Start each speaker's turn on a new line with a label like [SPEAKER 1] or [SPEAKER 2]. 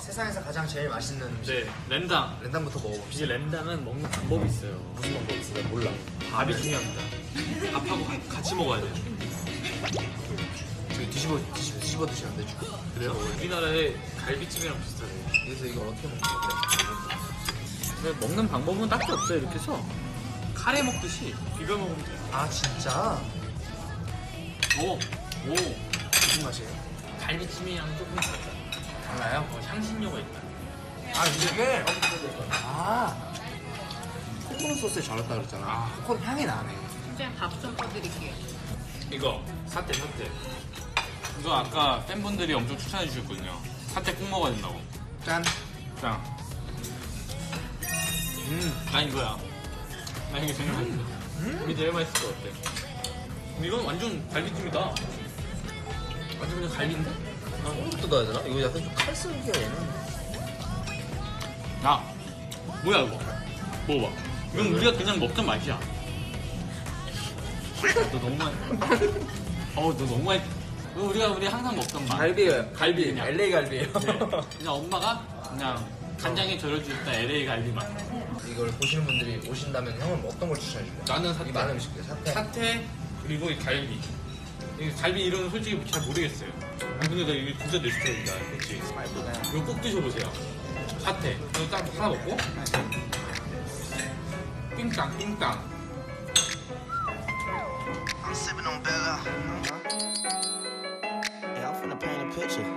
[SPEAKER 1] 세상에서 가장 제일 맛있는 음식.
[SPEAKER 2] 네, 렌당.
[SPEAKER 1] 렌당부터 먹어봅시다.
[SPEAKER 2] 이제 렌당은 먹는 방법이 있어요.
[SPEAKER 1] 무슨 방법이 있어요? 몰라.
[SPEAKER 2] 밥이 중요합니다. 밥하고 같이 먹어야 돼요.
[SPEAKER 1] 저기 뒤집어 드시면 안 되죠.
[SPEAKER 2] 그래요? 우리나라의 갈비찜이랑 비슷하네요.
[SPEAKER 1] 그래서 이걸 어떻게 먹는 건데?
[SPEAKER 2] 근데 먹는 방법은 딱히 없어요. 이렇게 해서 카레 먹듯이 비벼 먹으면 돼요.
[SPEAKER 1] 아 진짜?
[SPEAKER 2] 오!
[SPEAKER 1] 무슨 맛이에요?
[SPEAKER 2] 갈비찜이랑 조금
[SPEAKER 1] 달라요?
[SPEAKER 2] 향신료가 있다.
[SPEAKER 1] 아 이게 코코넛 소스에 잘했다 그랬잖아. 코코넛 향이 나네.
[SPEAKER 3] 그냥 밥 좀 떠드릴게요.
[SPEAKER 2] 이거 사태. 이거 아까 팬분들이 엄청 추천해 주셨거든요. 사태 꼭 먹어야 된다고.
[SPEAKER 1] 짠.
[SPEAKER 2] 자, 난 이거야. 나 이게 제일 맛있어. 이게 제일 맛있을 것 같아. 이건 완전 갈비찜이다. 완전 그냥 갈비인데?
[SPEAKER 1] 이것도 넣어야 되나? 이거 약간 좀 칼쓸기야 얘는.
[SPEAKER 2] 야, 뭐야 이거? 먹어봐. 이건 우리가 그냥 먹던 맛이야. 너 너무 많이. 너 너무 많이. 이거 우리 항상 먹던 맛.
[SPEAKER 1] 갈비예요.
[SPEAKER 2] 갈비 그냥.
[SPEAKER 1] LA 갈비예요.
[SPEAKER 2] 네. 그냥 엄마가 그냥 간장에 절여주셨다 LA 갈비 맛.
[SPEAKER 1] 이걸 보시는 분들이 오신다면 형은 어떤 걸 추천해 줄래요?
[SPEAKER 2] 나는 사태.
[SPEAKER 1] 이 많은 음식들 사태.
[SPEAKER 2] 사태 그리고 이 갈비. 이 갈비 이름은 솔직히 잘 모르겠어요. 근데 나 이거 진짜 내 스타일이다. 그렇지. 이거 꼭 드셔보세요. 사태. 이거 딱 하나 먹고. 띵땅.
[SPEAKER 4] I'm sipping on Bella. Yeah, I'm finna paint a picture.